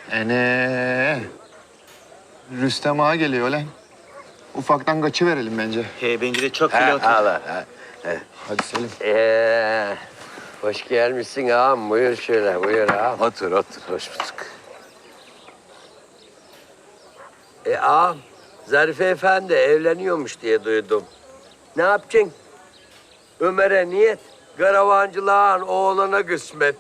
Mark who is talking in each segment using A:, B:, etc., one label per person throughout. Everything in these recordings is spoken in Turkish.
A: Rüstem Ağa geliyor lan. Ufaktan kaçıverelim bence.
B: Bence de çok bile otur.
A: Hadi Selim.
C: Hoş gelmişsin ağam. Buyur şöyle, buyur ağam.
D: Otur, otur. Hoş bulduk.
C: Ağam, Zarife Efendi evleniyormuş diye duydum. Ne yapacaksın? Ömer'e niyet, karavancılığın oğlana kısmet.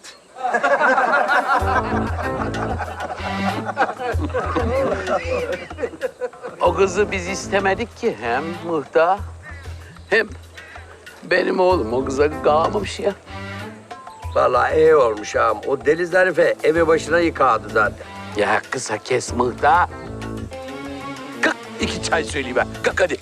D: O kızı biz istemedik ki hem Muhtar hem benim oğlum o kıza kalmamış ya.
C: Vallahi iyi olmuş ağam. O deli Zarife evi başına yıkadı zaten.
D: Ya kısa kes Muhtar. Kalk 2 çay söyleyeyim ben. Kalk hadi.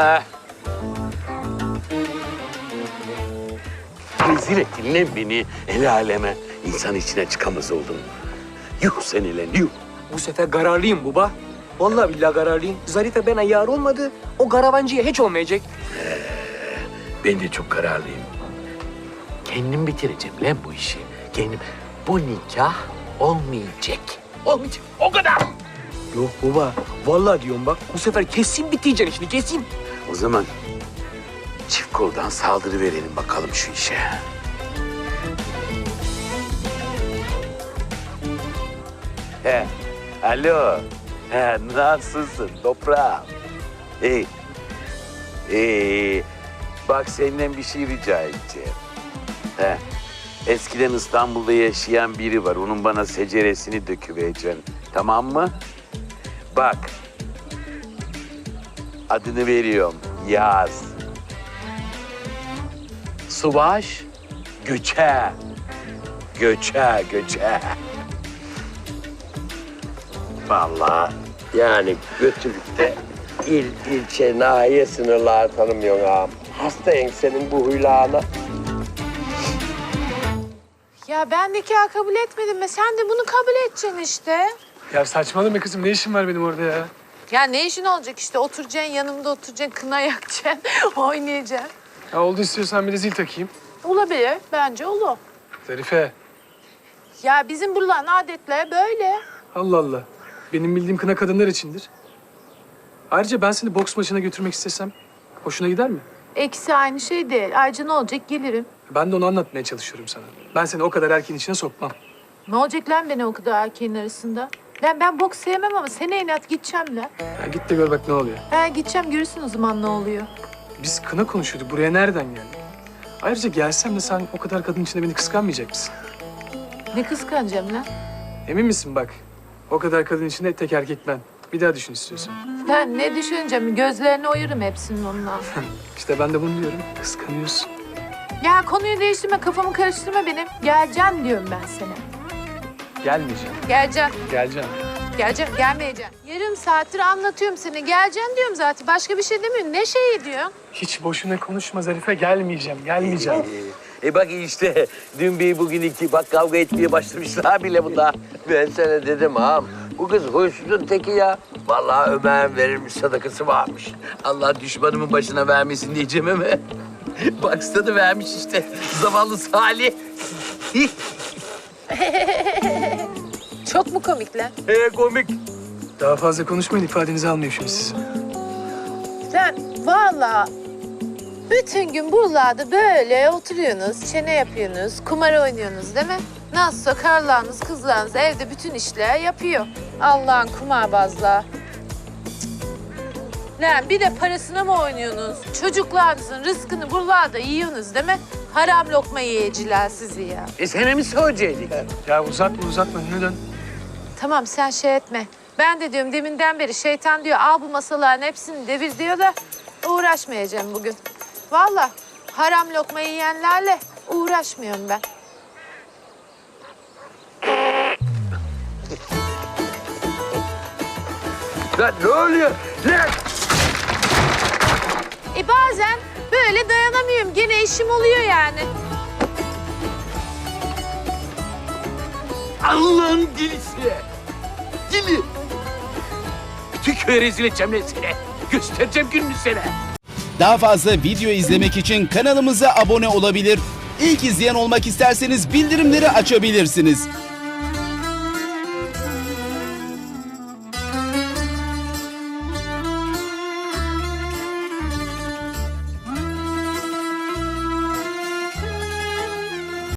D: Rezil ettin lan beni el aleme. İnsan içine çıkamaz oldum. Yuh seni lan yuh.
B: Bu sefer kararlıyım baba. Vallahi billahi kararlıyım. Zarife bana yar olmadı. O karavancıya hiç olmayacak.
D: Ben de çok kararlıyım. Kendim bitireceğim lan bu işi. Kendim. Bu nikah olmayacak. Olmayacak. O kadar.
B: Yok baba. Vallahi diyorum bak. Bu sefer kesin biteceksin işini kesin.
D: O zaman çift koldan saldırı verelim bakalım şu işe. Alo. Nasılsın toprağım? Bak senden bir şey rica edeceğim. Eskiden İstanbul'da yaşayan biri var. Onun bana seceresini döküvereceksin. Tamam mı? Bak. Adını veriyorum. Yaz. Subaş Göçe. Göçe.
C: Vallahi yani götürüp ilçe, nahiye sınırları tanımıyorsun ağam. Hastayım senin bu huylarına.
E: Ya ben nikah kabul etmedim ve sen de bunu kabul edeceksin işte.
F: Ya saçmalama kızım, ne işin var benim orada ya?
E: Ya ne işin olacak işte, oturacaksın yanımda, oturacaksın, kına yakacaksın, oynayacaksın.
F: Ya oldu, istiyorsan bir de zil takayım.
E: Olabilir, bence olur.
F: Zarife,
E: Ya bizim buraların adetleri böyle.
F: Allah Allah. Benim bildiğim kına kadınlar içindir. Ayrıca ben seni boks maçına götürmek istesem hoşuna gider mi?
E: İkisi aynı şey değil. Ayrıca ne olacak, gelirim.
F: Ben de onu anlatmaya çalışıyorum sana. Ben seni o kadar erkeğin içine sokmam.
E: Ne olacak lan beni o kadar erkeğin arasında? Ben boks sevmem ama sene inat gideceğim lan.
F: Ya git de gör bak ne oluyor.
E: Gideceğim, görürsün o zaman ne oluyor.
F: Biz kına konuşuyorduk. Buraya nereden geldik? Ayrıca gelsem de sen o kadar kadın içinde beni kıskanmayacak mısın?
E: Ne kıskanacağım lan?
F: Emin misin bak? O kadar kadın içinde tek erkek ben. Bir daha düşün istiyorsan.
E: Ben ne düşüneceğim? Gözlerini oyarım hepsinin onunla.
F: İşte ben de bunu diyorum. Kıskanıyorsun.
E: Ya konuyu değiştirme, kafamı karıştırma benim. Geleceksin diyorum ben sana.
F: Gelmeyeceğim.
E: Geleceğim.
F: Geleceğim.
E: Geleceğim, gelmeyeceğim. Yarım saattir anlatıyorum seni. Geleceğim diyorum zaten. Başka bir şey demiyorum. Ne şeyi diyorsun?
F: Hiç boşuna konuşma Zarife. Gelmeyeceğim. Gelmeyeceğim.
C: Bak işte dün bir bugün iki bak kavga etmeye başlamışlar bile bunlar. Ben sana dedim ağam. Bu kız huysuzun teki ya. Vallahi Ömer'in verilmiş sadakası varmış. Allah düşmanımın başına vermesin diyeceğim ama. Baksana da vermiş işte. Zavallı Salih.
E: Çok mu komik lan?
C: Komik.
F: Daha fazla konuşmayın. İfadenizi almayayım şimdi siz.
E: Sen vallahi bütün gün buralarda böyle oturuyorsunuz, çene yapıyorsunuz, kumar oynuyorsunuz değil mi? Nasılsa karılarınız, kızlarınız evde bütün işler yapıyor. Allah'ın kumarbazlar. Lan bir de parasına mı oynuyorsunuz? Çocuklarınızın rızkını buralarda yiyorsunuz değil mi? Haram lokma yiyeciler sizi ya.
C: Sana mı söyleyecektik?
F: Ya uzatma. Önüne dön.
E: Tamam sen şey etme. Ben de diyorum deminden beri şeytan diyor al bu masaların hepsini devir diyor da uğraşmayacağım bugün. Vallahi haram lokma yiyenlerle uğraşmıyorum ben.
C: Lan ne oluyor? Lan!
E: Bazen böyle dayanamıyorum. Gene işim oluyor yani.
D: Allah'ın delisi. Dili. Bütün köye rezil edeceğim lan seni. Göstereceğim gününü sana.
G: Daha fazla video izlemek için kanalımıza abone olabilir. İlk izleyen olmak isterseniz bildirimleri açabilirsiniz.